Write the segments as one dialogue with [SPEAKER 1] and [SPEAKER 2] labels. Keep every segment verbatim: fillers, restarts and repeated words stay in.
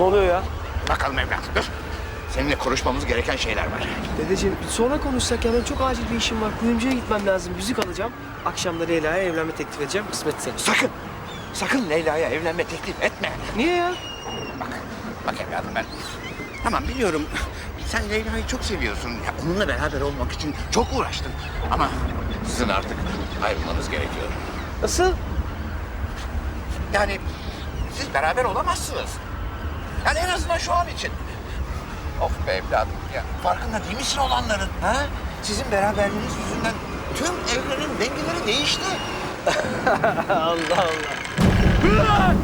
[SPEAKER 1] Ne oluyor ya?
[SPEAKER 2] Bakalım evlat, dur. Seninle konuşmamız gereken şeyler var.
[SPEAKER 1] Dedeciğim sonra konuşsak ya, ben çok acil bir işim var. Kuyumcuya gitmem lazım, yüzük alacağım. Akşam da Leyla'ya evlenme teklif edeceğim, kısmetse.
[SPEAKER 2] Sakın, sakın Leyla'ya evlenme teklif etme.
[SPEAKER 1] Niye ya?
[SPEAKER 2] Bak, bak evladım ben... Tamam biliyorum, sen Leyla'yı çok seviyorsun. Ya, onunla beraber olmak için çok uğraştın. Ama sizin artık ayrılmanız gerekiyor.
[SPEAKER 1] Nasıl?
[SPEAKER 2] Yani siz beraber olamazsınız. Yani en azından şu an için. Of be evladım ya, farkında değil misin olanların? Ha? Sizin beraberliğiniz yüzünden tüm evrenin dengeleri değişti.
[SPEAKER 1] Allah Allah.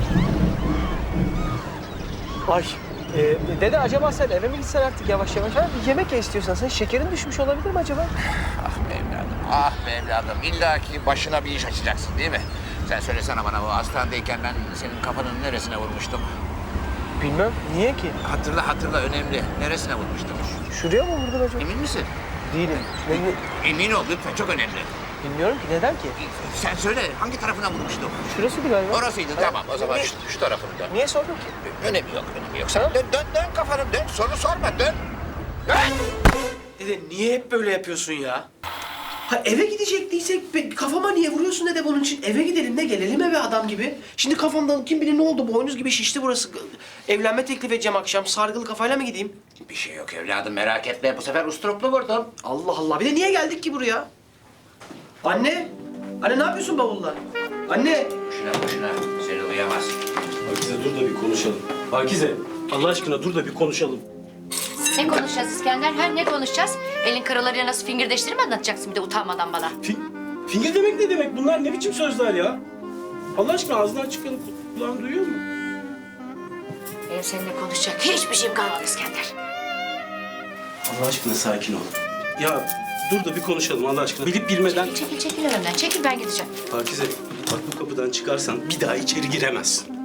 [SPEAKER 1] Ay, e, dede acaba sen eve mi gitsen artık yavaş yavaş? Ha? Bir yemek ye istiyorsan, sen şekerin düşmüş olabilir mi acaba?
[SPEAKER 2] Ah be evladım, ah be evladım. İlla ki başına bir iş açacaksın değil mi? Sen söylesene bana, bu hastanedeyken ben senin kafanın neresine vurmuştum?
[SPEAKER 1] Bilmem, niye ki?
[SPEAKER 2] Hatırla hatırla, önemli. Neresine vurmuştum?
[SPEAKER 1] Şuraya mı vurdun acaba?
[SPEAKER 2] Emin misin?
[SPEAKER 1] Değilim. Ne-
[SPEAKER 2] Emin ol lütfen, çok önemli.
[SPEAKER 1] Bilmiyorum ki, neden ki?
[SPEAKER 2] Sen söyle, hangi tarafına vurmuştum?
[SPEAKER 1] Şurasıydı galiba.
[SPEAKER 2] Orasıydı, tamam. O zaman şu, şu tarafını dön.
[SPEAKER 1] Niye sordun ki?
[SPEAKER 2] Önemi yok, önemi yok. Sen dön, dön, dön kafanı, dön. Soru sorma, dön. Dön!
[SPEAKER 1] Dede niye hep böyle yapıyorsun ya? Ha eve gidecektiysek be- kafama niye vuruyorsun dede bunun için? Eve gidelim de gelelim eve adam gibi. Şimdi kafamdan kim bilir ne oldu, boynuz gibi şişti burası. Evlenme teklif edeceğim akşam, sargılı kafayla mı gideyim?
[SPEAKER 2] Bir şey yok evladım, merak etme. Bu sefer usturuplu vurdum.
[SPEAKER 1] Allah Allah, bir de niye geldik ki buraya? Anne, anne ne yapıyorsun bavulla? Anne!
[SPEAKER 2] Boşuna boşuna, seni uyamaz.
[SPEAKER 3] Pakize dur da bir konuşalım. Pakize, Allah aşkına dur da bir konuşalım.
[SPEAKER 4] Ne konuşacağız İskender? Ha, ne konuşacağız? Elin karalarıyla nasıl fingirdeştirip anlatacaksın bir de utanmadan bana.
[SPEAKER 3] Fi fingir demek ne demek? Bunlar ne biçim sözler ya? Allah aşkına ağzından çıkanı kulağın duyuyor mu?
[SPEAKER 4] Benim seninle konuşacak hiçbir şeyim kalmadı İskender.
[SPEAKER 3] Allah aşkına sakin ol. Ya dur da bir konuşalım Allah aşkına. Bilip bilmeden...
[SPEAKER 4] Çekil, çekil, çekil önümden. Çekil, ben gideceğim.
[SPEAKER 3] Pakize, bak bu kapıdan çıkarsan bir daha içeri giremezsin.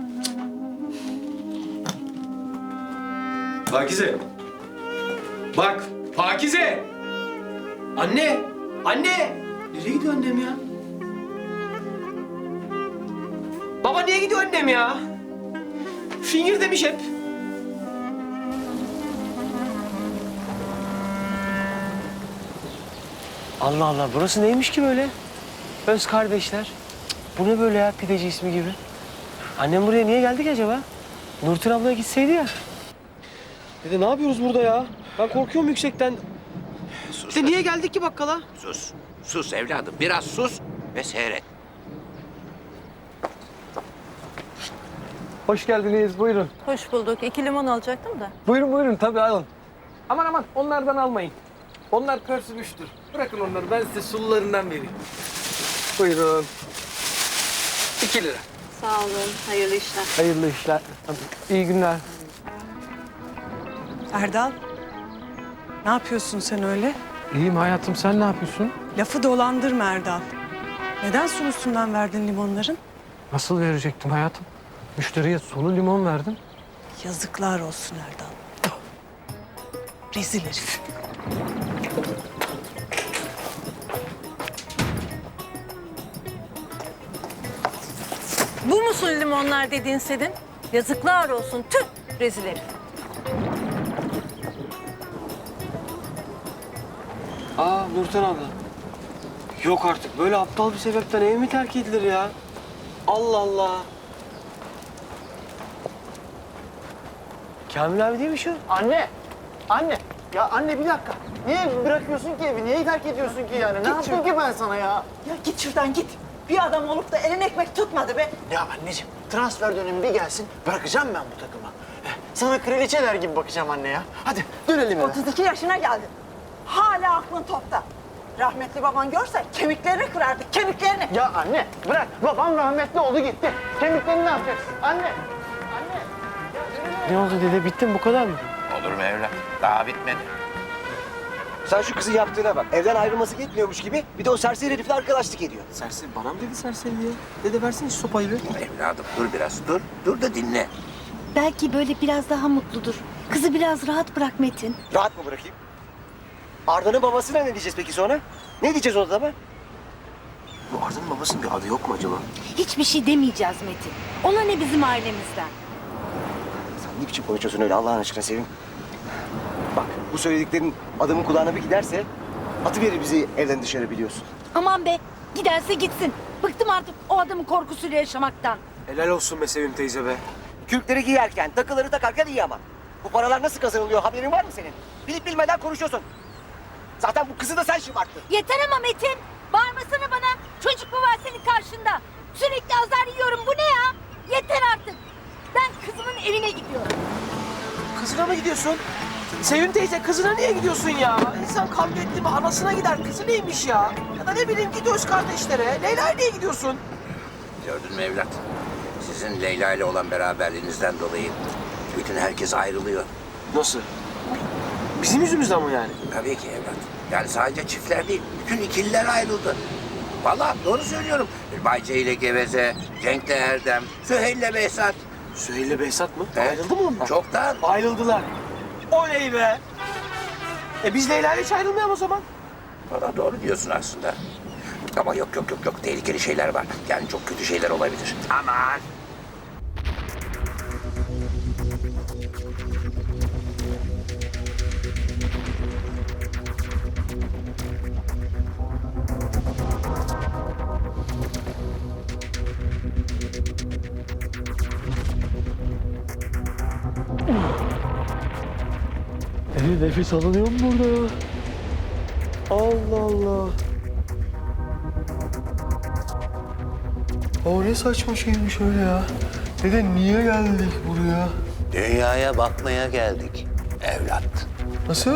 [SPEAKER 3] Pakize. Bak, Pakize!
[SPEAKER 1] Anne! Anne! Nereye gidiyor annem ya? Baba niye gidiyor annem ya? Fingir demiş hep. Allah Allah, burası neymiş ki böyle? Öz kardeşler. Cık, bu ne böyle ya, pideci ismi gibi? Annem buraya niye geldi ki acaba? Nurten ablaya gitseydi ya. Dede ne yapıyoruz burada ya? Ben korkuyorum yüksekten.
[SPEAKER 2] Sus.
[SPEAKER 1] Dede niye geldik ki bakkala?
[SPEAKER 2] Sus. Sus evladım, biraz sus ve seyret.
[SPEAKER 5] Hoş geldiniz, buyurun.
[SPEAKER 6] Hoş bulduk. İki limon alacaktım da.
[SPEAKER 5] Buyurun buyurun, tabii alın. Aman aman, onlardan almayın. Onlar pörsümüştür. Bırakın onları, ben size sulularından vereyim. Buyurun. İki lira.
[SPEAKER 6] Sağ olun. Hayırlı işler.
[SPEAKER 5] Hayırlı işler. İyi günler.
[SPEAKER 7] Erdal, ne yapıyorsun sen öyle?
[SPEAKER 5] İyiyim hayatım, sen ne yapıyorsun?
[SPEAKER 7] Lafı dolandırma Erdal. Neden suyun üstünden verdin limonların?
[SPEAKER 5] Nasıl verecektim hayatım? Müşteriye sulu limon verdim.
[SPEAKER 7] Yazıklar olsun Erdal. Rezil herif.
[SPEAKER 6] Bu musun limonlar dediğin senin? Yazıklar olsun. Tüh! Rezil herif.
[SPEAKER 1] Aa Nurten abla. Yok artık, böyle aptal bir sebepten ev mi terk edilir ya? Allah Allah. Kamil abi değil mi şu?
[SPEAKER 8] Anne! Anne! Ya anne bir dakika. Niye bırakıyorsun ki evi? Niye terk ediyorsun ki yani? Ne yaptım ki ben sana ya?
[SPEAKER 9] Ya git şuradan git. Bir adam olup da elin ekmek tutmadı be.
[SPEAKER 8] Ya anneciğim transfer dönemi bir gelsin. Bırakacağım ben bu takıma. Eh, Sana kraliçeler gibi bakacağım anne ya. Hadi dönelim eve.
[SPEAKER 9] otuz iki yaşına geldin. Hala aklın topta. Rahmetli baban görse kemiklerini kırardı, kemiklerini.
[SPEAKER 8] Ya anne bırak. Babam rahmetli oldu gitti. Kemiklerini ne yapacaksın? Anne! Anne!
[SPEAKER 1] Ne oldu dede, bitti mi, bu kadar mı?
[SPEAKER 2] Olur mu evlat? Daha bitmedi.
[SPEAKER 10] Sen şu kızın yaptığına bak. Evden ayrılması yetmiyormuş gibi bir de o serseri herifle arkadaşlık ediyor.
[SPEAKER 1] Serseri, bana mı dedi serseri ya? Dede versene şu sopayı bir.
[SPEAKER 2] Evladım dur biraz, dur. Dur da dinle.
[SPEAKER 4] Belki böyle biraz daha mutludur. Kızı biraz rahat bırak Metin.
[SPEAKER 10] Rahat mı bırakayım? Arda'nın babasına ne diyeceğiz peki sonra? Ne diyeceğiz o adama?
[SPEAKER 1] Bu Arda'nın babasının bir adı yok mu acaba?
[SPEAKER 4] Hiçbir şey demeyeceğiz Metin. Ona ne bizim ailemizden.
[SPEAKER 10] ne biçim konuşuyorsun öyle Allah'ın aşkına Sevim? Bak bu söylediklerin adamın kulağına bir giderse atıverir bizi evden dışarı biliyorsun.
[SPEAKER 6] Aman be, giderse gitsin. Bıktım artık o adamın korkusuyla yaşamaktan.
[SPEAKER 10] Helal olsun be Sevim teyze be. Kürkleri giyerken, takıları takarken iyi ama. Bu paralar nasıl kazanılıyor haberin var mı senin? Bilip bilmeden konuşuyorsun. Zaten bu kızı da sen şımarttın.
[SPEAKER 6] Yeter ama Metin. Bağırmasana bana. Çocuk mu var senin karşında? Sürekli azar yiyorum. Bu ne ya? Yeter artık. Ben kızımın evine gidiyorum.
[SPEAKER 1] Kızına mı gidiyorsun? Sevim teyze kızına niye gidiyorsun ya? İnsan kavga etti mi anasına gider. Kızı neymiş ya? Ya da ne bileyim gidiyoruz kardeşlere. Leyla'ya niye gidiyorsun?
[SPEAKER 2] Gördün mü evlat? Sizin Leyla ile olan beraberliğinizden dolayı bütün herkes ayrılıyor.
[SPEAKER 1] Nasıl? Bizim yüzümüzden mi yani?
[SPEAKER 2] Tabii ki evlat. Yani sadece çiftler değil, bütün ikililer ayrıldı. Vallahi doğru söylüyorum. Bayce ile Geveze, Cenk ile Erdem, Süheyl ile Behzat.
[SPEAKER 1] Süheyl'le Behzat mı?
[SPEAKER 2] Evet.
[SPEAKER 1] Ayrıldı mı onlar?
[SPEAKER 2] Çoktan.
[SPEAKER 1] Ayrıldılar. Oley be! E biz Leyla ile hiç ayrılmayalım o zaman.
[SPEAKER 2] Valla doğru diyorsun aslında. Ama yok yok yok yok tehlikeli şeyler var. Yani çok kötü şeyler olabilir. Aman.
[SPEAKER 11] Dede nefes alınıyor mu burada ya? Allah Allah. O ne saçma şeymiş öyle ya. Dede niye geldik buraya?
[SPEAKER 2] Dünyaya bakmaya geldik evlat.
[SPEAKER 11] Nasıl?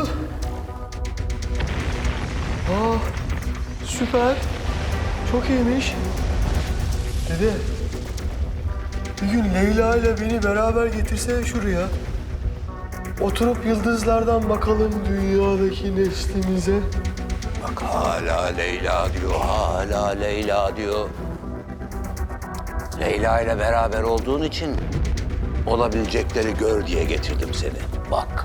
[SPEAKER 11] Aa, süper. Çok iyiymiş. Dede, bir gün Leyla ile beni beraber getirsene şuraya. Oturup yıldızlardan bakalım dünyadaki neslimize.
[SPEAKER 2] Bak hala Leyla diyor, hala Leyla diyor. Leyla ile beraber olduğun için olabilecekleri gör diye getirdim seni. Bak.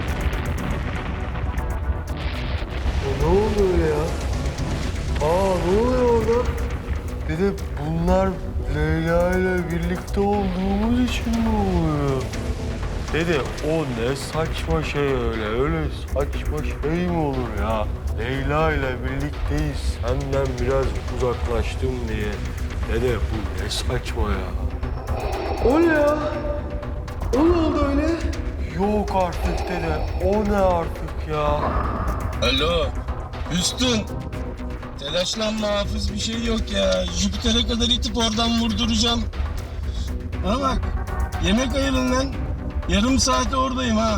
[SPEAKER 11] Ne oluyor öyle ya? Aa ne oluyor orada? Dede bunlar Leyla ile birlikte olduğumuz için mi oluyor? Dede o ne saçma şey öyle, öyle saçma şey mi olur ya? Leyla ile birlikteyiz, senden biraz uzaklaştım diye. Dede bu ne saçma ya? O ne ya? O ne oldu öyle? Yok artık dede, o ne artık ya?
[SPEAKER 3] Alo, Hüsnün. Telaşlanma Hafız, bir şey yok ya. Jüpiter'e kadar itip oradan vurduracağım. Bana bak, yemek ayırın lan. Yarım saate oradayım ha.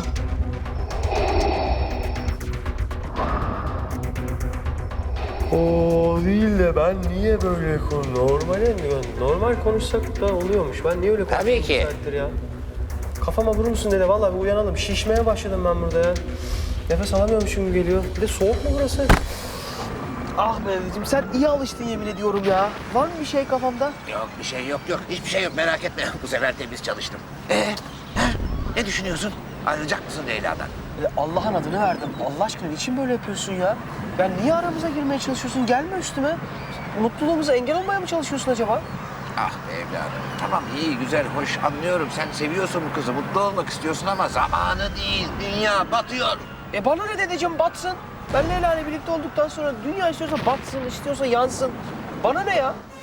[SPEAKER 11] O değil de ben niye böyle konu normale mi? Normal konuşsak da oluyormuş. Ben niye öyle konuşuyorum?
[SPEAKER 2] Tabii ki.
[SPEAKER 11] saattir ya? Kafama vurur musun dede? Vallahi bir uyanalım. Şişmeye başladım ben burada ya. Nefes alamıyormuşum gibi geliyor. Bir de soğuk mu burası?
[SPEAKER 1] Ah Mehmetciğim sen iyi alıştın yemin ediyorum ya. Var mı bir şey kafamda?
[SPEAKER 2] Yok bir şey yok yok, hiçbir şey yok merak etme. Bu sefer temiz çalıştım. Ee, ha? Ne düşünüyorsun? Ayrılacak mısın Leyla'dan?
[SPEAKER 1] E, Allah'ın adını verdim. Allah aşkına niçin böyle yapıyorsun ya? Ya niye aramıza girmeye çalışıyorsun? Gelme üstüme. Mutluluğumuza engel olmaya mı çalışıyorsun acaba?
[SPEAKER 2] Ah be evladım. Tamam iyi, güzel, hoş anlıyorum. Sen seviyorsun bu kızı, mutlu olmak istiyorsun ama zamanı değil. Dünya batıyor.
[SPEAKER 1] E bana ne dedeciğim batsın. Ben Leyla ile birlikte olduktan sonra dünya istiyorsa batsın, istiyorsa yansın. Bana ne ya?